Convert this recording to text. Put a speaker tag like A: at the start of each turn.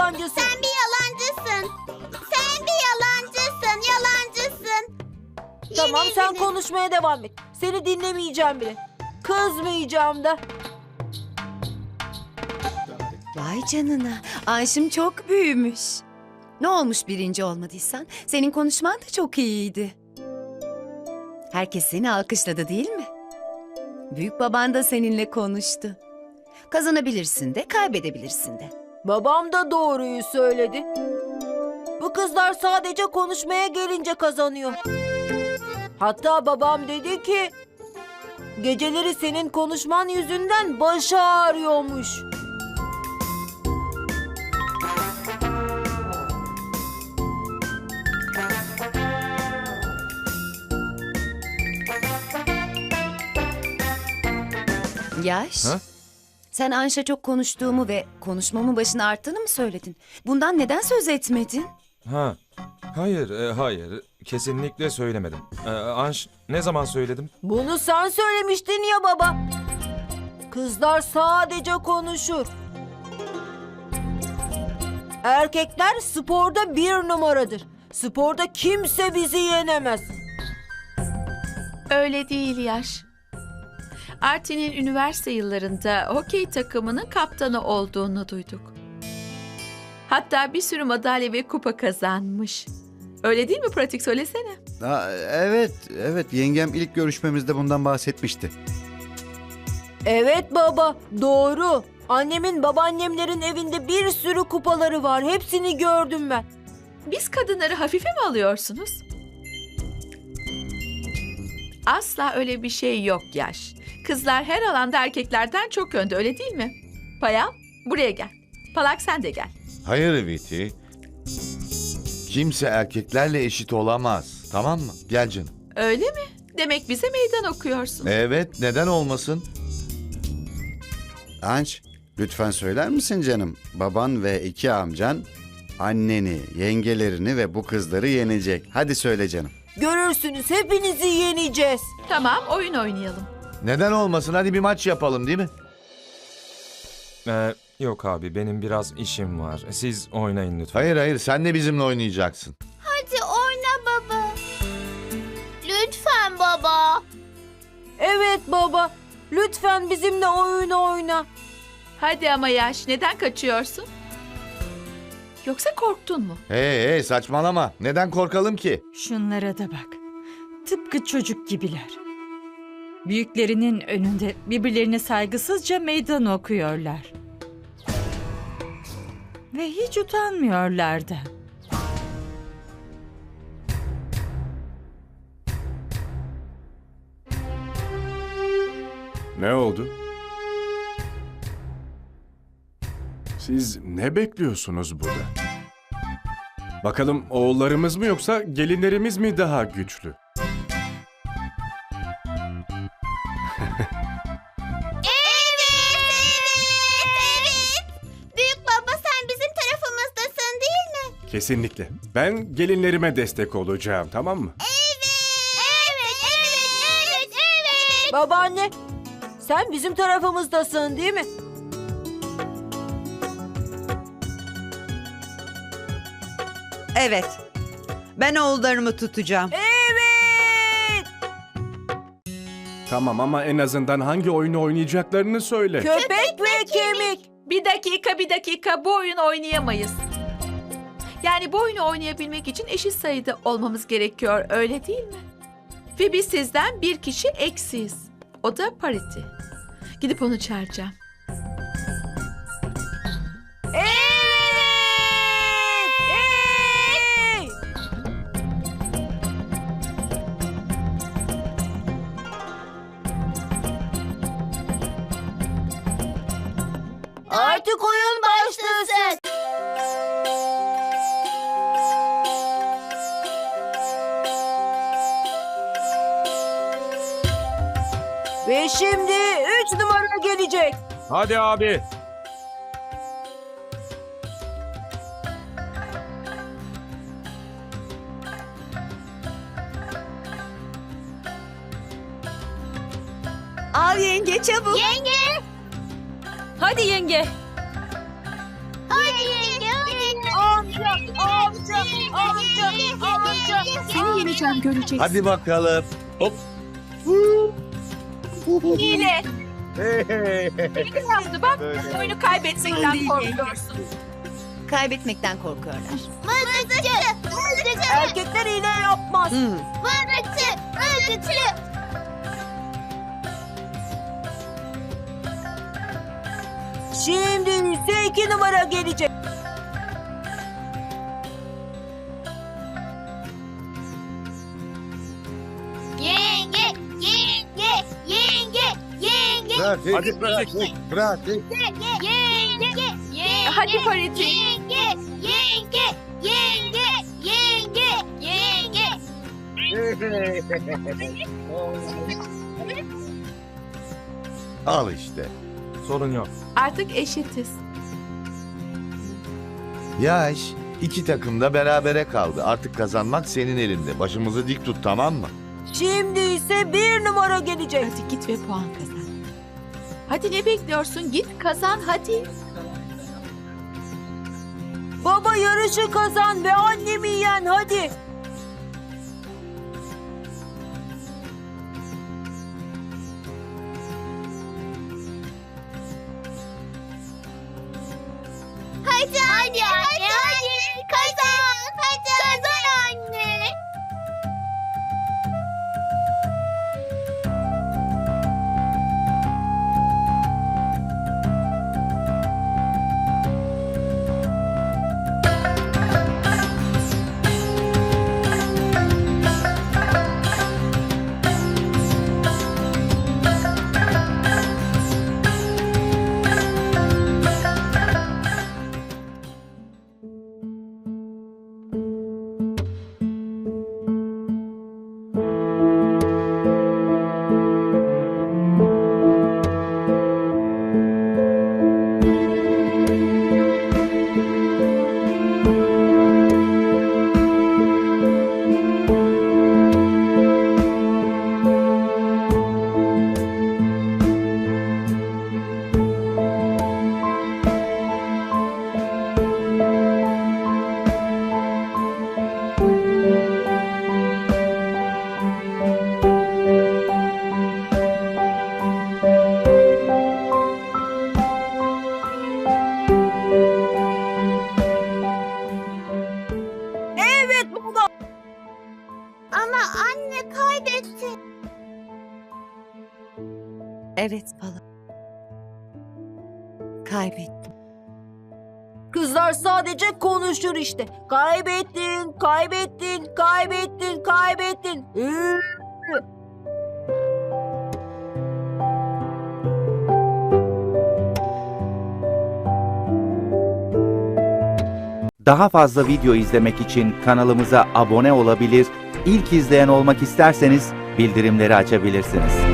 A: yalancısın.
B: Sen bir yalancısın. Sen bir yalancısın. Yalancısın.
A: Tamam,
B: Yemin
A: sen
B: ederim.
A: konuşmaya devam et. Seni dinlemeyeceğim bile. Kızmayacağım da.
C: Vay canına. Ayşim çok büyümüş. Ne olmuş birinci olmadıysan? Senin konuşman da çok iyiydi. Herkes seni alkışladı değil mi? Büyük baban da seninle konuştu. Kazanabilirsin de, kaybedebilirsin de.
A: Babam da doğruyu söyledi. Bu kızlar sadece konuşmaya gelince kazanıyor. Hatta babam dedi ki... Geceleri senin konuşman yüzünden başı ağrıyormuş.
C: Yaş,
D: Ha?
C: sen Anş'a çok konuştuğumu ve konuşmamın başını arttığını mı söyledin? Bundan neden söz etmedin?
D: Ha. Hayır, hayır. Kesinlikle söylemedim. Anş, ne zaman söyledim?
A: Bunu sen söylemiştin ya baba. Kızlar sadece konuşur. Erkekler sporda bir numaradır. Sporda kimse bizi yenemez.
E: Öyle değil Yaş. Artin'in üniversite yıllarında hokey takımının kaptanı olduğunu duyduk. Hatta bir sürü madalya ve kupa kazanmış. Öyle değil mi, pratik söylesene.
F: Evet yengem ilk görüşmemizde bundan bahsetmişti.
A: Evet baba, doğru. Annemin babaannemlerin evinde bir sürü kupaları var. Hepsini gördüm ben.
E: Biz kadınları hafife mi alıyorsunuz? Asla öyle bir şey yok Yaş. Kızlar her alanda erkeklerden çok önde, öyle değil mi? Payal, buraya gel. Palak, sen de gel.
G: Hayır Viti. Kimse erkeklerle eşit olamaz. Tamam mı? Gel canım.
E: Öyle mi? Demek bize meydan okuyorsun.
G: Evet, neden olmasın?
F: Anş, lütfen söyler misin canım? Baban ve iki amcan anneni, yengelerini ve bu kızları yenecek. Hadi söyle canım.
A: Görürsünüz, hepinizi yeneceğiz.
E: Tamam, oyun oynayalım.
G: Neden olmasın? Hadi bir maç yapalım değil mi?
D: Yok abi, benim biraz işim var. Siz oynayın lütfen.
G: Hayır, sen de bizimle oynayacaksın.
B: Hadi oyna baba. Lütfen baba.
A: Evet baba, lütfen bizimle oyun oyna.
E: Hadi ama Yaş, neden kaçıyorsun? Yoksa korktun mu?
G: Hey saçmalama. Neden korkalım ki?
H: Şunlara da bak. Tıpkı çocuk gibiler. Büyüklerinin önünde birbirlerine saygısızca meydan okuyorlar. Ve hiç utanmıyorlar da.
I: Ne oldu? Siz ne bekliyorsunuz burada? Bakalım oğullarımız mı yoksa gelinlerimiz mi daha güçlü?
B: Evet. Büyük baba, sen bizim tarafımızdasın değil mi?
I: Kesinlikle. Ben gelinlerime destek olacağım, tamam mı?
B: Evet.
A: Babaanne, sen bizim tarafımızdasın değil mi?
J: Evet. Ben oğullarımı tutacağım.
A: Evet!
I: Tamam ama en azından hangi oyunu oynayacaklarını söyle.
A: Köpek ve kemik.
E: Bir dakika, bu oyunu oynayamayız. Yani bu oyunu oynayabilmek için eşit sayıda olmamız gerekiyor, öyle değil mi? Ve biz sizden bir kişi eksiyiz. O da Pariti. Gidip onu çağıracağım.
A: Evet! Hey! Artık oyun başlasın. Ve şimdi 3 numara gelecek.
D: Hadi abi.
C: Al yenge çabuk.
B: Yenge.
H: Hadi yenge.
B: Hadi yenge hadi.
E: Seni yeneceğim, göreceksin.
G: Hadi bakalım. Hop.
E: Hile. Ne yaptı bak? Oyunu kaybetmekten korkuyorsun.
C: Kaybetmekten korkuyorlar.
B: Mızıkçı. Mızıkçı.
A: Erkekler hile yapmaz.
B: Mızıkçı. Mızıkçı.
A: Şimdi ise 2 numara gelecek.
B: Yenge. Yenge. Yenge. Yenge.
G: Hadi pratik. Pratik.
B: Yenge. Yenge.
E: Hadi Pariti.
B: Yenge. Yenge. Yenge. Yenge. Yenge.
G: Al işte.
D: Sorun yok.
E: Artık eşitiz.
G: Yaş. İki takım da berabere kaldı. Artık kazanmak senin elinde. Başımızı dik tut, tamam mı?
A: Şimdi ise 1 numara gelecek.
E: Hadi git ve puan kazan. Hadi ne bekliyorsun? Git kazan hadi.
A: Baba yarışı kazan ve annemi yen hadi.
B: Hadi anne. Hadi. Kazan. Hadi. Kazan anne.
A: Evet baba.
B: Ama anne kaybetti.
C: Evet Pala. Kaybettim.
A: Kızlar sadece konuşur işte. Kaybettin, kaybettin, kaybettin, kaybettin.
K: Daha fazla video izlemek için kanalımıza abone olabilir, ilk izleyen olmak isterseniz bildirimleri açabilirsiniz.